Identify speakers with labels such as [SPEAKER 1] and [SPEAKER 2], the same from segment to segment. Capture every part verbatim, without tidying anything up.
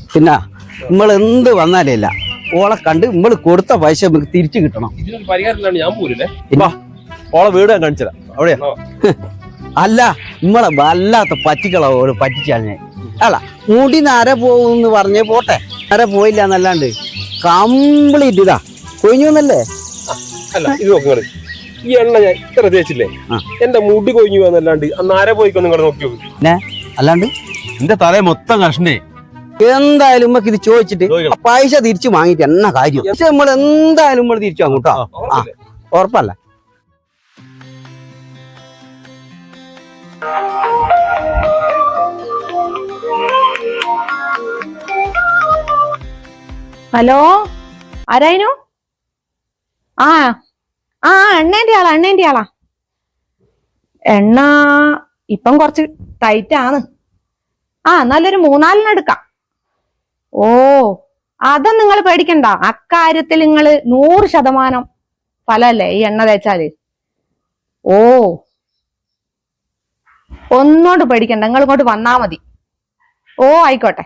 [SPEAKER 1] പിന്നെ നമ്മൾ എന്ത് വന്നാലേ ഓളെ കണ്ട് നമ്മൾ കൊടുത്ത പൈസ നമുക്ക് തിരിച്ചു കിട്ടണം.
[SPEAKER 2] ഞാൻ പോരില്ലേ
[SPEAKER 3] ഓളെ വീട് ഞാൻ കാണിച്ചതാ അവിടെയാ.
[SPEAKER 1] അല്ല നമ്മളെ വല്ലാത്ത പറ്റിക്കളോ ഓള് പറ്റിച്ചാൽ അല്ല മുടി നര പോകുന്ന് പറഞ്ഞേ പോട്ടെ, നര പോയില്ല എന്നല്ലാണ്ട് കംപ്ലീറ്റ് ഇതാ കൊഴിഞ്ഞുന്നല്ലേ.
[SPEAKER 2] അല്ല ഇത് നോക്കുന്നത് ഈ എണ്ണ ഞാൻ ഇത്ര തേച്ചില്ലേ എന്റെ മുടി കൊഴിഞ്ഞു എന്നല്ലാണ്ട് നാരെ പോയിക്കോ നിങ്ങൾ നോക്കി
[SPEAKER 1] പിന്നെ അല്ലാണ്ട്
[SPEAKER 3] എന്റെ തലേ മൊത്തം കഷ്ണേ.
[SPEAKER 1] എന്തായാലും നമുക്ക് ഇത് ചോദിച്ചിട്ട് പൈസ തിരിച്ചു വാങ്ങിട്ട് എന്നാ കാര്യം. പക്ഷെ നമ്മൾ എന്തായാലും നമ്മൾ തിരിച്ചു വാങ്ങും കേട്ടോ. ആ ഉറപ്പല്ല.
[SPEAKER 4] ഹലോ ആരായിരുന്നു? ആ ആ എണ്ണേന്റെ ആളാ എണ്ണേന്റെ ആളാ എണ്ണ ഇപ്പം കുറച്ച് ടൈറ്റ് ആണ്. ആ നല്ലൊരു മൂന്നാലിന് എടുക്കാം. ഓ അതൊന്നും നിങ്ങൾ പേടിക്കണ്ട, അക്കാര്യത്തിൽ നിങ്ങൾ നൂറ് ശതമാനം ഫലല്ലേ ഈ എണ്ണ തേച്ചാല്. ഓ ഒന്നോട്ട് പേടിക്കണ്ട, നിങ്ങൾ ഇങ്ങോട്ട് വന്നാ മതി. ഓ ആയിക്കോട്ടെ.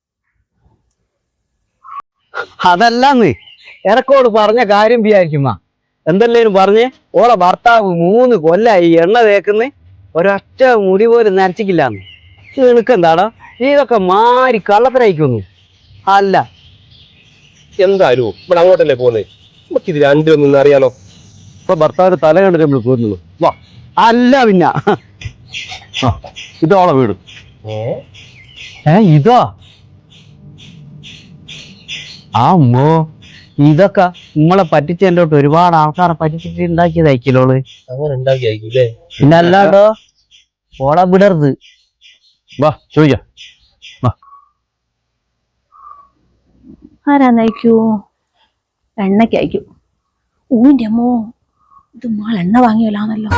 [SPEAKER 1] അതല്ലാന്ന് എനക്കോട് പറഞ്ഞ കാര്യം വിചാരിക്കുമ്മ. എന്തെല്ലേലും പറഞ്ഞ് ഓളെ ഭർത്താവ് മൂന്ന് കൊല്ലായി എണ്ണ തേക്കുന്ന ഒരൊറ്റ മുടി പോലും നരച്ചിക്കില്ലാന്ന്. നിനക്കെന്താടാ ഇതൊക്കെ മാറി കള്ളത്തരയിക്കുന്നു? അല്ല
[SPEAKER 2] എന്തായാലും ഇവിടെ അങ്ങോട്ടല്ലേ പോകുന്നത്, നമുക്കിത് രണ്ടും ഒന്ന് അറിയാലോ.
[SPEAKER 3] ഇപ്പൊ ഭർത്താവിന്റെ തല കണ്ടിട്ട് നമ്മൾ പോരുന്നത്. വാ.
[SPEAKER 1] അല്ല പിന്നെ
[SPEAKER 3] ഇതോളെ വീട്.
[SPEAKER 1] ഏ ഇതോ? ആ അമ്മോ ഇതൊക്കെ നമ്മളെ പറ്റിച്ചതിൻ്റെോട്ട് ഒരുപാട് ആൾക്കാരെ പറ്റിച്ചിട്ട് ഉണ്ടാക്കിയതായിക്കലോള്.
[SPEAKER 2] അങ്ങനെ ഉണ്ടാക്കിയായില്ലേ?
[SPEAKER 1] പിന്നെ അല്ലാണ്ടോ ഓളെ വിടരുത്.
[SPEAKER 3] വാ ചോദിക്കാം.
[SPEAKER 4] ആരാന്നയക്കൂ? എണ്ണയ്ക്ക് അയക്കൂ. ഊന്റെ അമ്മോ ഇത് മാൾ എണ്ണ വാങ്ങിയല്ലാന്നല്ലോ.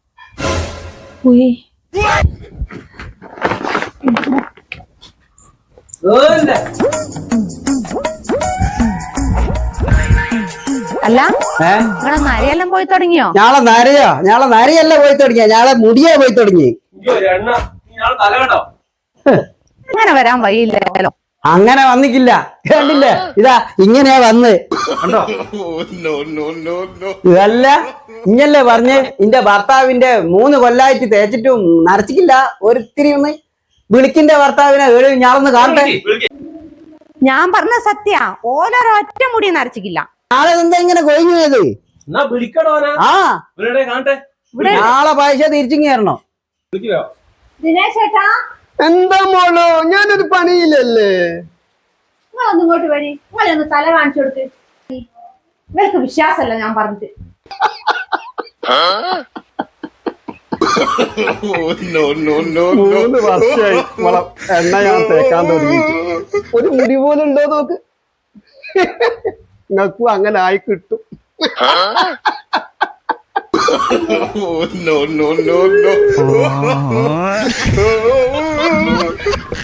[SPEAKER 4] അല്ല നിങ്ങളെ നരയെല്ലാം പോയി തുടങ്ങിയോ?
[SPEAKER 1] ഞാളെ നരയോ? ഞാളെ നരയല്ല പോയി തുടങ്ങിയ, ഞാളെ മുടിയാ പോയി തുടങ്ങി.
[SPEAKER 4] അങ്ങനെ വരാൻ വഴിയില്ലല്ലോ.
[SPEAKER 1] അങ്ങനെ വന്നിക്കില്ല, കണ്ടില്ലേ? ഇതാ ഇങ്ങനെയാ വന്ന്. ഇതല്ല ഇങ്ങല്ലേ പറഞ്ഞ് ഇന്റെ ഭർത്താവിന്റെ മൂന്ന് കൊല്ലായിട്ട് തേച്ചിട്ടും നരച്ചിക്കില്ല. ഒരിത്തിരി ഒന്ന് വിളിക്കിന്റെ ഭർത്താവിനെ ഏഴ് ഞാളൊന്ന് കാണട്ടെ.
[SPEAKER 4] ഞാൻ പറഞ്ഞ സത്യ, ഓരോരൊറ്റ മുടി നരച്ചിക്കില്ല.
[SPEAKER 1] നാളെ എന്താ ഇങ്ങനെ കൊഴിഞ്ഞു പോയത്? ആ നാളെ പൈസ തിരിച്ചു കയറണോ?
[SPEAKER 4] ദിനേശ് ചേട്ടാ
[SPEAKER 1] എന്താ മോളോ, ഞാനൊരു പണിയില്ലല്ലേ.
[SPEAKER 4] നിങ്ങളൊന്നും ഇങ്ങോട്ട് വരി, നിങ്ങളൊന്ന് തല കാണിച്ചു കൊടുക്ക്. ഇവർക്ക് വിശ്വാസമല്ല ഞാൻ പറഞ്ഞിട്ട്.
[SPEAKER 1] മൂന്ന് വർഷമായി എണ്ണ ഞാൻ തേക്കാൻ തുടങ്ങി, ഒരു മുടി പോലും ഉണ്ടോ നോക്ക്. നിങ്ങൾക്കും അങ്ങനെ ആയി കിട്ടും.
[SPEAKER 5] Oh no no no no!